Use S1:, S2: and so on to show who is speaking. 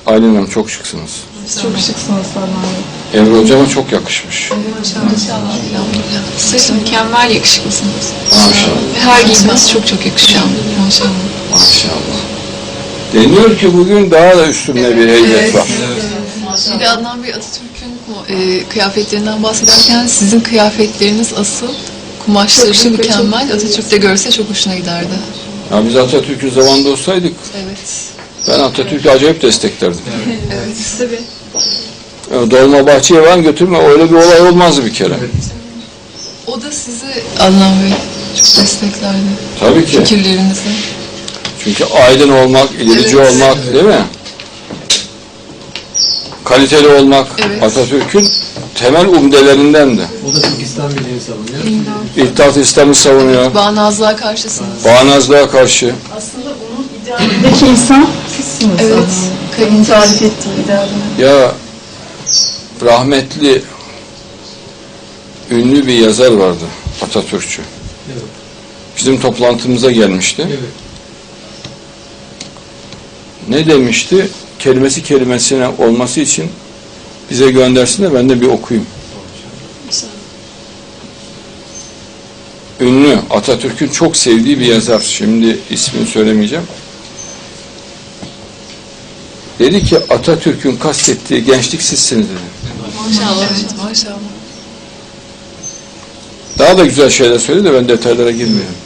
S1: Aylin Hanım çok şıksınız.
S2: Çok şıksınız Adnan Bey.
S1: Emre Hocama çok yakışmış.
S3: Maşallah. Siz mükemmel yakışıklısınız.
S1: Maşallah.
S3: Her giyiniz çok çok yakışıyor. Maşallah.
S1: Maşallah. Deniyor ki bugün daha da üstünde bir heybet var.
S3: Bir de Adnan Bey, Atatürk'ün kıyafetlerinden bahsederken sizin kıyafetleriniz asıl kumaşları mükemmel. Atatürk de görse çok hoşuna giderdi.
S1: Ya biz Atatürk'ün zamanında olsaydık
S3: Evet.
S1: ben Atatürk'ü acayip desteklerdim.
S3: Evet.
S2: Tabii.
S1: Dolmabahçe'ye falan götürme, öyle bir olay olmazdı bir kere.
S3: O da sizi Adnan Bey çok desteklerdi.
S1: Tabii ki.
S3: Fikirlerinizi.
S1: Çünkü aydın olmak, ilerici
S3: Evet.
S1: olmak, değil mi? Kaliteli olmak
S3: Evet.
S1: Atatürk'ün temel umdelerindendi.
S4: O da çok İslam birliğini savunuyor.
S1: İttihat İslam'ı savunuyor.
S3: Bağnazlığa karşısınız.
S1: Bağnazlığa karşı.
S2: Aslında onun idealindeki insan sizsiniz.
S3: Evet.
S2: Kadın tarif ettiği idealini.
S1: Ya rahmetli ünlü bir yazar vardı, Atatürkçü.
S4: Evet.
S1: Bizim toplantımıza gelmişti.
S4: Evet.
S1: Ne demişti? Kelimesi kelimesine olması için bize göndersin de ben de bir okuyayım. Ünlü, Atatürk'ün çok sevdiği bir yazar. Şimdi ismini söylemeyeceğim. Dedi ki Atatürk'ün kastettiği gençlik sizsiniz dedi.
S3: Maşallah. Evet, maşallah.
S1: Daha da güzel şeyler söyledi de ben detaylara girmiyorum.